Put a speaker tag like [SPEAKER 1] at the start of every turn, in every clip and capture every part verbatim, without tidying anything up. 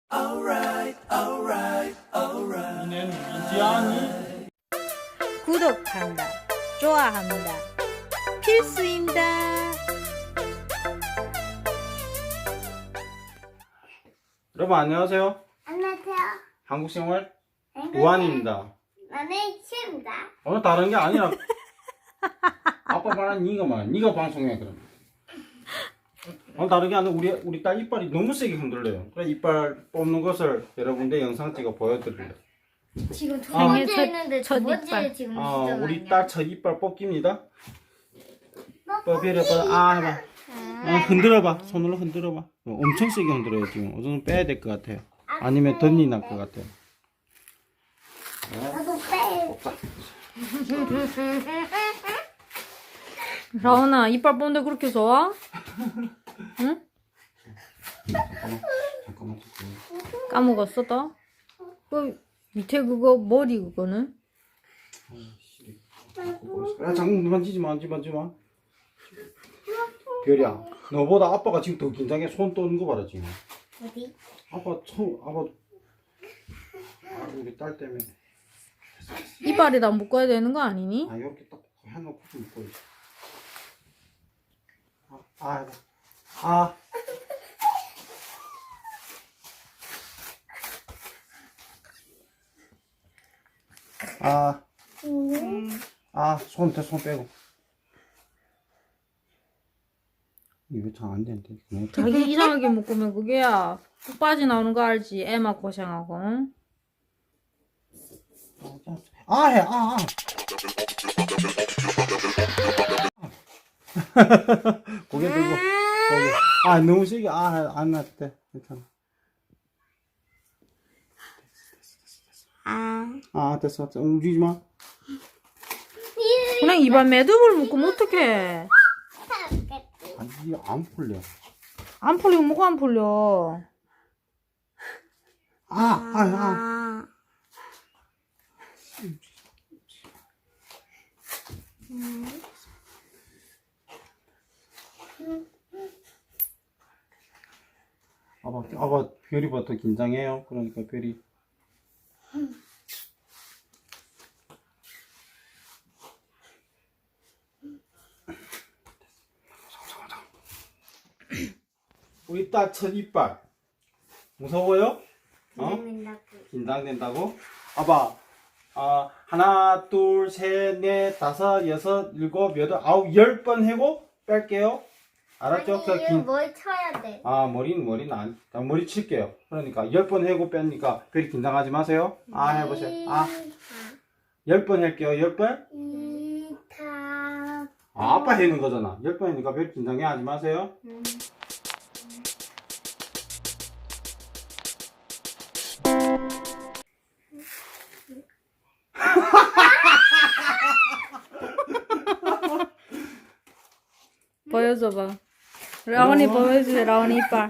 [SPEAKER 1] alright, alright, alright. 이는 민지아니.
[SPEAKER 2] 구독한다, 좋아합니다. 필수입니다.
[SPEAKER 3] 여러분 안녕하세요.
[SPEAKER 4] 안녕하세요.
[SPEAKER 3] 한국생활 우한입니다.
[SPEAKER 4] 나는 시입니다.
[SPEAKER 3] 오늘 다른 게 아니라 아빠 말한 니가 말, 니가 방송해 그럼. 오늘 다른 게 아니라 우리 우리 딸 이빨이 너무 세게 흔들려요. 그래 이빨 뽑는 것을 여러분들 영상 찍어 보여드릴래요.
[SPEAKER 4] 지금 두
[SPEAKER 3] 아,
[SPEAKER 4] 번째
[SPEAKER 2] 첫-
[SPEAKER 4] 했는데
[SPEAKER 2] 첫
[SPEAKER 4] 두 번째
[SPEAKER 2] 이빨.
[SPEAKER 4] 지금
[SPEAKER 3] 어,
[SPEAKER 4] 시작
[SPEAKER 3] 우리
[SPEAKER 4] 아니야?
[SPEAKER 3] 딸 첫 이빨 뽑기입니다. 뽑히려 봐. 아 해봐. 어, 흔들어봐. 손으로 흔들어봐. 어, 엄청 세게 흔들어요 지금. 우선 빼야 될 것 같아요. 아니면 덧니 날 것 같아요.
[SPEAKER 4] 나도 빼.
[SPEAKER 2] 라온아, 이빨 뽑는데 그렇게 좋아? 응?
[SPEAKER 3] 잠깐만, 잠깐만, 잠깐만.
[SPEAKER 2] 까먹었어, 또? 그 밑에 그거 머리 그거는?
[SPEAKER 3] 야, 장군 만지지 마, 만지지 마, 만지지 마. 별이야, 너보다 아빠가 지금 더 긴장해. 손 떠는 거 봐라 지금.
[SPEAKER 4] 어디?
[SPEAKER 3] 아빠 처음, 아빠, 아, 우리 딸 때문에.
[SPEAKER 2] 이빨에다 묶어야 되는 거 아니니?
[SPEAKER 3] 아, 이렇게 딱 해놓고 좀 묶어야지. 아, 아, 아. 아, 아, 손, 대, 손 빼고. 이거 잘 안 되는데. 그냥
[SPEAKER 2] 자기 이상하게 묶으면 그게야 푹 빠져나오는 거 알지? 애만 고생하고, 응?
[SPEAKER 3] 아, 해, 아, 아. 고개 들고, 고개. 아, 너무 세게, 아, 안 났대. 괜찮아. 아, 됐어, 됐어. 움직이지 마.
[SPEAKER 2] 그냥 이빨 매듭을 묶으면 어떡해?
[SPEAKER 3] 아니, 이게 안 풀려.
[SPEAKER 2] 안 풀리면 뭐가 안 풀려?
[SPEAKER 3] 아, 아, 아. 아빠, 아빠, 별이 봐, 더 긴장해요. 그러니까 별이. 우리 딸 첫 이빨. 무서워요? 어? 긴장된다고? 아빠, 아, 하나, 둘, 셋, 넷, 다섯, 여섯, 일곱, 여덟, 아홉, 열 번 하고 뺄게요. 알았죠? 그
[SPEAKER 4] 아니,
[SPEAKER 3] 긴-
[SPEAKER 4] 뭘 쳐야 돼?
[SPEAKER 3] 아, 머리는, 머리는 안, 아, 머리 칠게요. 그러니까, 열 번 하고 빼니까, 별이 긴장하지 마세요. 아, 해보세요. 아, 열 번 할게요. 열 번?
[SPEAKER 4] 이, 타.
[SPEAKER 3] 아, 아빠 해는 거잖아. 열 번 하니까 별 긴장해 하지 마세요.
[SPEAKER 2] 보여줘봐. 라온이 보여주세요, 라온이 이빨.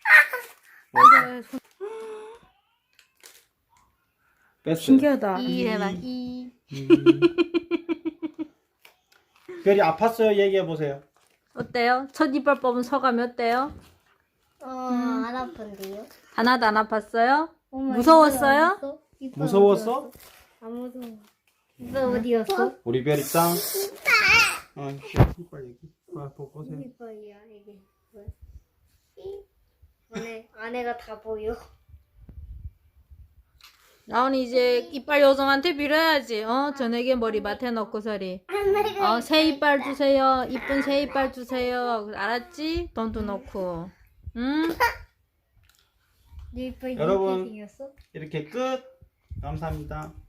[SPEAKER 3] 뺐어요.
[SPEAKER 2] 신기하다.
[SPEAKER 4] 이 해봐. 이.
[SPEAKER 3] 별이 아팠어요? 얘기해보세요.
[SPEAKER 2] 어때요? 첫 이빨 뽑은 소감이 어때요?
[SPEAKER 4] 어, 안 아픈데요?
[SPEAKER 2] 하나도 안 아팠어요?
[SPEAKER 4] 어머,
[SPEAKER 2] 무서웠어요?
[SPEAKER 4] 이빨 어딨어? 이빨
[SPEAKER 3] 무서웠어?
[SPEAKER 4] 어디 갔어? 안 무서워. 이빨 어디였어?
[SPEAKER 3] 우리 별이 짱. 어, 이빨 얘기. 봐, 보- 보세요.
[SPEAKER 4] 이빨이야 이게. 뭐야? 이. 안에 안에가 다 보여.
[SPEAKER 2] 라온이 이제 이빨 요정한테 빌어야지. 어? 저녁에 머리맡에 넣고 서리.
[SPEAKER 4] 안에가
[SPEAKER 2] 어, 새 이빨 주세요. 이쁜 새 이빨 주세요. 알았지? 돈도 넣고. 응?
[SPEAKER 4] 네 이빨
[SPEAKER 3] 여러분.
[SPEAKER 4] 이렇게 생겼어?
[SPEAKER 3] 이렇게 끝. 감사합니다.